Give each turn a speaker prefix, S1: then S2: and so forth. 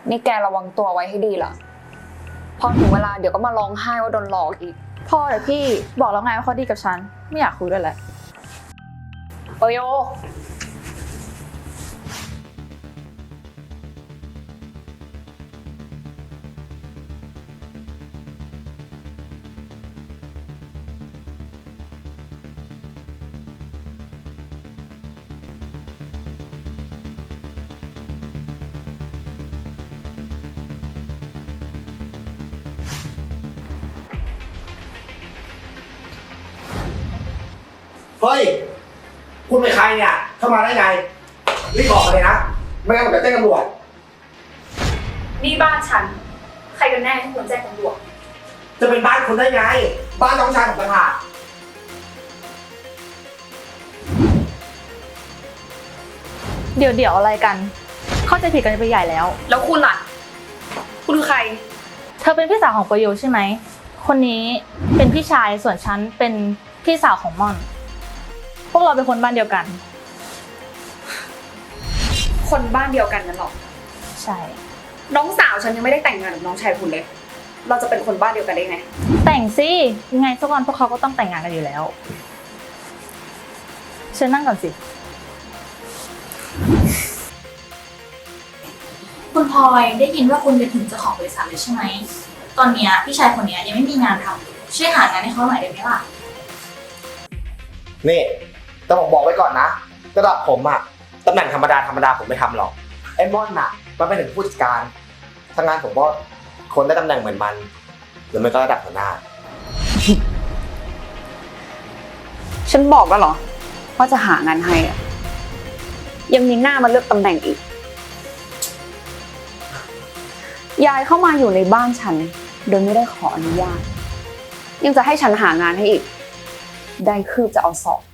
S1: นี่แกระวังตัวไว้ให้ดีล่ะพอถึงเวลาเดี๋ยวก็มาร้องไห้ว่าโดนหลอกอีก
S2: พ่อเดี๋ยวพี่บอกแล้วไงว่าเขาดีกับฉันไม่อยากคุยด้วยแหละ
S1: โย
S3: เฮ้ยคุณเป็นใครเนี่ยเข้ามาได้ไงรีบบอกมาเลยนะไม่งั้นผมจะแจ้งตำรวจ
S4: นี่บ้านฉันใครกันแน่ที่ควรแจ้งตำรวจ
S3: จะเป็นบ้านคุณได้ไงบ้านน้องชายของประธาน
S2: เดี๋ยวอะไรกันเข้าใจผิดกันไปใหญ่แล้ว
S4: แล้วคุณล่ะคุณคือใคร
S2: เธอเป็นพี่สาวของประโยชน์ใช่ไหมคนนี้เป็นพี่ชายส่วนฉันเป็นพี่สาวของม่อนพวกเราเป็นคนบ้านเดียวกัน
S4: คนบ้านเดียวกันนั่นหรอ
S2: ใช่
S4: น้องสาวฉันยังไม่ได้แต่งงานกับน้องชายคุณเลยเราจะเป็นคนบ้านเดียวกันได้ไง
S2: แต่งสิยังไงสักวันพวกเขาก็ต้องแต่งงานกันอยู่แล้วเชิญนั่งก่อนสิ
S5: คุณพลอยได้ยินว่าคุณเป็นถึงเจ้าของบริษัทเลยใช่ไหมตอนนี้พี่ชายคนนี้ยังไม่มีงานทำช่วยหางานให้เขาหน่อยได้ไหมล่ะ
S3: นี่แต่ผมบอกไว้ก่อนนะระดับผมอะตำแหน่งธรรมดาผมไม่ทำหรอกไอ้ม่อนอะมันเป็นถึงผู้จัดการทำงานผมก็คนได้ตำแหน่งเหมือนมันหรือไม่ก็ระดับหัวหน้า
S1: ฉันบอกแล้วเหรอว่าจะหางานให้อะยังมีหน้ามาเลือกตำแหน่งอีกยายเข้ามาอยู่ในบ้านฉันโดยไม่ได้ขออนุญาตยังจะให้ฉันหางานให้อีกได้คืบจะเอาศอก